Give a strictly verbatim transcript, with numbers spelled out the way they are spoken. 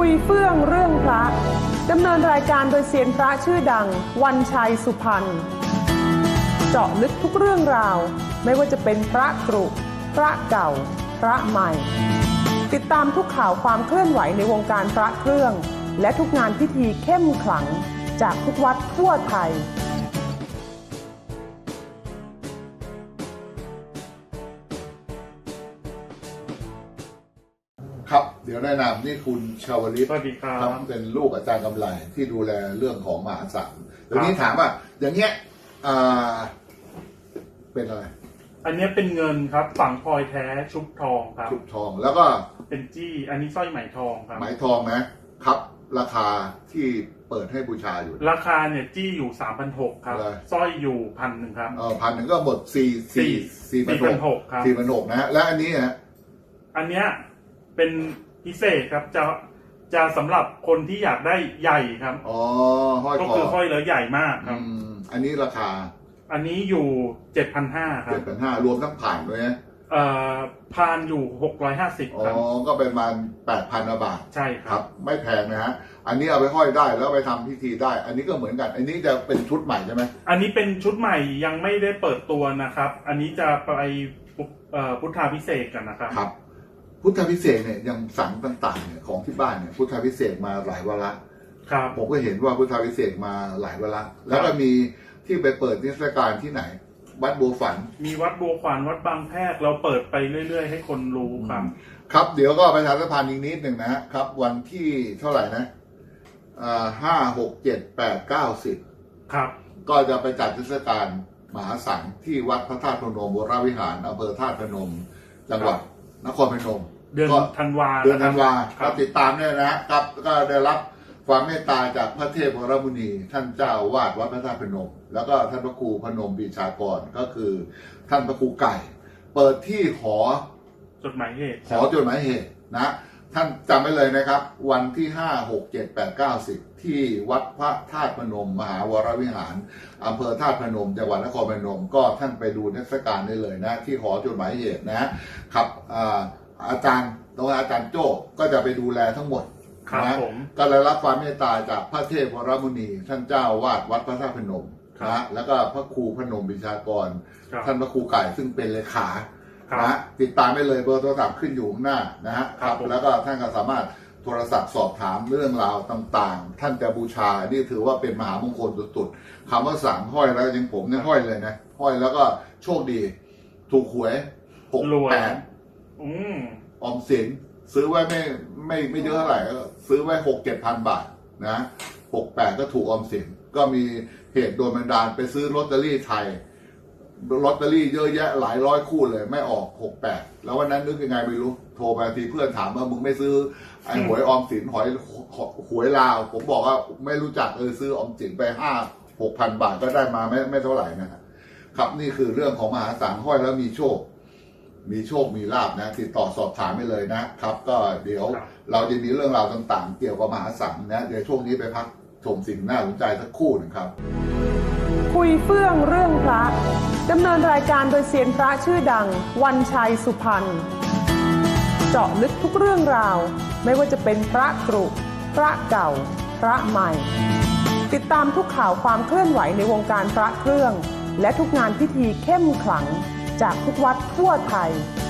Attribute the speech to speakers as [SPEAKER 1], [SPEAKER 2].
[SPEAKER 1] ยเฟื่องเรื่องพระดำเนินรายการโดยเซียนพระชื่อดังวันชัยสุพรรณเจาะลึกทุกเรื่องราวไม่ว่าจะเป็นพระกรุพระเก่าพระใหม่ติดตามทุกข่าวความเคลื่อนไหวในวงการพระเครื่องและทุกงานพิธีเข้มขลังจากทุกวัดทั่วไทย
[SPEAKER 2] ครับเดี๋ยวแนะนำนี่คุณชาวลิต
[SPEAKER 3] สวัสดีครับ
[SPEAKER 2] เป็นลูกอาจารย์กำไลที่ดูแลเรื่องของมหาสังเดี๋ยวนี้ถามว่าอย่างเงี้ยอ่าเป็นอะไร
[SPEAKER 3] อันนี้เป็นเงินครับฝังพลอยแท้ชุบทองครับ
[SPEAKER 2] ชุบทองแล้วก็
[SPEAKER 3] เป็นจี้อันนี้สร้อยไหมทองครับ
[SPEAKER 2] ไหมทองนะครับราคาที่เปิดให้บูชาอยู่
[SPEAKER 3] ราคาเนี่ยจี้อยู่สามพันหกครับสร้อยอยู่พันหนึ่งครับ
[SPEAKER 2] เออพันหนึ่งก็หมดสี่สี่สี่พันหก
[SPEAKER 3] ครับ
[SPEAKER 2] สี่พันหกนะและอันนี้ฮะ
[SPEAKER 3] อันเนี้ยเป็นพิเศษครับจะจะสำหรับคนที่อยากได้ใหญ่ครับ
[SPEAKER 2] อ๋อห้อยคอ
[SPEAKER 3] ก็คือห้อยแล้วใหญ่มากครับ
[SPEAKER 2] อันนี้ราคา
[SPEAKER 3] อันนี้อยู่เจ็ดพันห้าครับ
[SPEAKER 2] เจ็ดพันห้ารวมทั้งผ่านด้วยนะ
[SPEAKER 3] เอ่อพานอยู่หกร้อยห้าสิบครับ
[SPEAKER 2] อ๋อก็ประมาณแปดพันบาท
[SPEAKER 3] ใช่ครับ
[SPEAKER 2] ไม่แพงนะฮะอันนี้เอาไปห้อยได้แล้วไปทำพิธีได้อันนี้ก็เหมือนกันอันนี้จะเป็นชุดใหม่ใช่ไหม
[SPEAKER 3] อันนี้เป็นชุดใหม่ยังไม่ได้เปิดตัวนะครับอันนี้จะไปพุทธาพิเศษกันนะครับ
[SPEAKER 2] ครับพุทธพิเศษเนี่ยยังสั่งต่างๆเนี่ยของที่บ้านเนี่ยพุทธพิเศษมาหลายวาระ
[SPEAKER 3] ครับ
[SPEAKER 2] ผมก็เห็นว่าพุทธพิเศษมาหลายวาระแล้วก็มีที่ไปเปิดนิทรรศการที่ไหนวัดบัวฝัน
[SPEAKER 3] มีวัดบัวฝันวัดบางแพรกเราเปิดไปเรื่อยๆให้คนรู้ครับ
[SPEAKER 2] ครับเดี๋ยวก็ประชาสัมพันธ์อีกนิดหนึ่งนะครับวันที่เท่าไหร่นะอ่าห้าหกเจ็ดแปดเก้าสิบ
[SPEAKER 3] ครับ
[SPEAKER 2] ก็จะไปจัดนิทรรศการมหาสังที่วัดพระธาตุพนมวรวิหารอำเภอธาตุพนมจังหวัดนครพนม
[SPEAKER 3] เดือนธันวา
[SPEAKER 2] เดือนธันวาครับติดตามเนี่ยนะครับก็ได้รับความเมตตาจากพระเทพวรมุนีท่านเจ้าวาดวัดพระธาตุพนมแล้วก็ท่านพระครูพนมปีชากรก็คือท่านพระครูไก่เปิดที่หอ
[SPEAKER 3] จดหมายเหตุ
[SPEAKER 2] หอจดหมายเหตุนะท่านจำไว้เลยนะครับวันที่ห้าหกเจ็ดแปดเก้าสิบที่วัดพระธาตุพนมมหาวรวิหารอำเภอธาตุพนมจังหวัดนครพนมก็ท่านไปดูเทศกาลได้เลยนะที่หอจดหมายเหตุนะครับอาจารย์ตัวอาจารย์โจ้ก็จะไปดูแลทั้งหมดนะก็ได้รับความเมตตาจากพระเทพวรมุนีท่านเจ้าวาดวัดพระธาตุพนมนะแล้วก็พระครูพนมบิชากรท่านพระครูไก่ซึ่งเป็นเลขานะติดตามได้เลยเบอร์โทรศัพท์ขึ้นอยู่ข้างหน้านะฮะครับแล้วก็ท่านก็สามารถโทรศัพท์สอบถามเรื่องราวต่างๆท่านจะบูชานี่ถือว่าเป็นมหามงคลสุดๆคำว่าสั่งห้อยแล้วยังผมเนี่ยห้อยเลยนะห้อยแล้วก็โชคดีถูกหวยหกแปดออมสินซื้อไว้ไม่ไม่ไม่เยอะเท่าไหร่ก็ซื้อไว้หกเจ็ดพันบาทนะหกแปดก็ถูกออมสินก็มีเหตุโดนบันดาลไปซื้อลอตเตอรี่ไทยลอตเตอรี่เยอะแยะหลายร้อยคู่เลยไม่ออกหกแปดแล้ววันนั้นนึกยังไงไม่รู้โทรไปทีเพื่อนถามว่ามึงไม่ซื้อไอ้หวยออมสินหอยหวยลาวผมบอกว่าไม่รู้จักเออซื้อออมสินไปห้าหกพันบาทก็ได้มาไม่ไม่เท่าไหร่นะครับนี่คือเรื่องของมหาสังห้อยแล้วมีโชคมีโชคมีลาภนะติดต่อสอบถามไปเลยนะครับก็เดี๋ยวเราจะมีเรื่องราวต่างๆเกี่ยวกับมหาสังนะเดี๋ยวช่วงนี้ไปพักชมสิ่งน่าสนใจสักครู่หนึ่งครับ
[SPEAKER 1] คุยเฟื่องเรื่องพระดำเนินรายการโดยเซียนพระชื่อดังวันชัยสุพรรณเจาะลึกทุกเรื่องราวไม่ว่าจะเป็นพระกรุพระเก่าพระใหม่ติดตามทุกข่าวความเคลื่อนไหวในวงการพระเครื่องและทุกงานพิธีเข้มขลังจากทุกวัดทั่วไทย